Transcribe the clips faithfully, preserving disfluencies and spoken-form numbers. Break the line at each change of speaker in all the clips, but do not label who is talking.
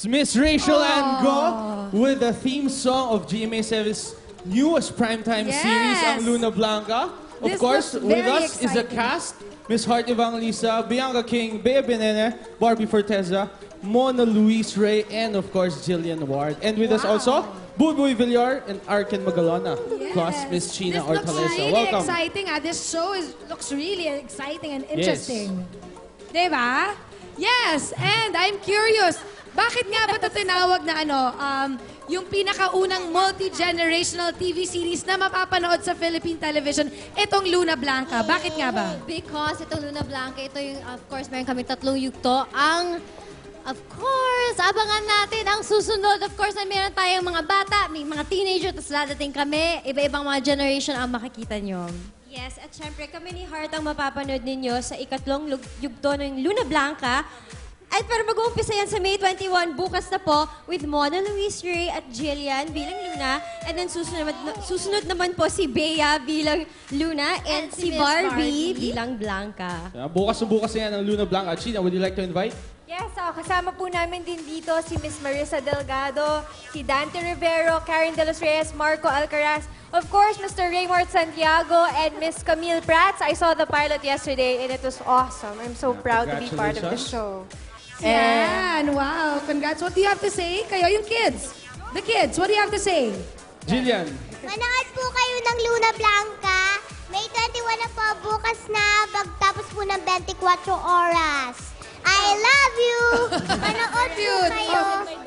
It's Miss Rachel Ango with the theme song of G M A seven's newest primetime
Yes.
series, ang Luna Blanca. Of
This
course,
looks
with
very
us is a
exciting.
cast. Miss Heart Evangelista, Bianca King, Bea Benene, Barbie Forteza, Mona Luis Ray, and of course, Jillian Ward. And with us also, Buboy Villar and Arken Magalona, plus Miss China
This looks
Hortaleza.
really
Welcome.
exciting. Ah. This show is, looks really exciting and interesting. Diba? Yes, and I'm curious, bakit nga ba ito tinawag na ano, um, yung pinakaunang multi-generational T V series na mapapanood sa Philippine television, itong Luna Blanca. Bakit nga ba?
Because itong Luna Blanca, ito yung, of course, meron kami tatlong yugto. Ang, of course, abangan natin ang susunod. Of course, na meron tayong mga bata, may mga teenager, tapos dadating kami. Iba-ibang mga generation ang makikita nyo.
Yes, at syempre kami ni Heart ang mapapanood ninyo sa ikatlong lug- yugto ng Luna Blanca. At pero mag-uumpisa yan sa May twenty-first, bukas na po, with Mona Luis Ray at Jillian bilang Luna. And then susunod, susunod naman po si Bea bilang Luna and,
And si
si
Miss
Barbie,
Barbie.
bilang Blanca.
Yeah, bukas na bukas na yan ang Luna Blanca. China, would you like to invite?
Yes, oh, kasama po namin din dito si Miss Marissa Delgado, si Dante Rivero, Karen De Los Reyes, Marco Alcaraz, of course, Mister Raymond Santiago, and Miss Camille Prats. I saw the pilot yesterday and it was awesome. I'm so proud to be part of the
Congratulations.
show.
Yan, wow. Congrats. What do you have to say? Kayo, yung kids. The kids, what do you have to say?
Jillian.
Manood po kayo ng Luna Blanca. May twenty-one na po, bukas na, pagtapos po ng twenty-four oras. I love you! Manood po
Cute.
kayo.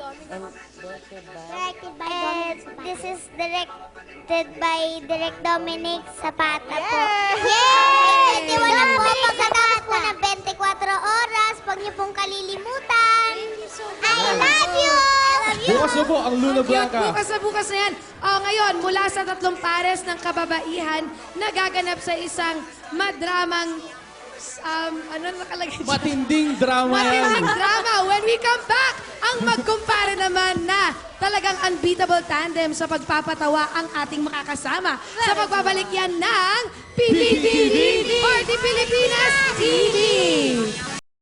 Directed by Dominic Zapata. This is directed by Direk Dominic Zapata po. Yay! May twenty-one na po, pagkatapos po ng twenty-four oras, huwag niyo pong kalilimutan. I love you! I love you!
Bukas na po ang Luna
Cute.
Blanca.
Bukas na bukas na yan. Oh, ngayon, mula sa tatlong pares ng kababaihan na gaganap sa isang madramang, um, ano nakalagay dyan?
Matinding drama yan.
Matinding drama. When we come back, ang magkumpare naman na talagang unbeatable tandem sa pagpapatawa ang ating makakasama sa pagbabalik yan ng P P T V for the Pilipinas T V.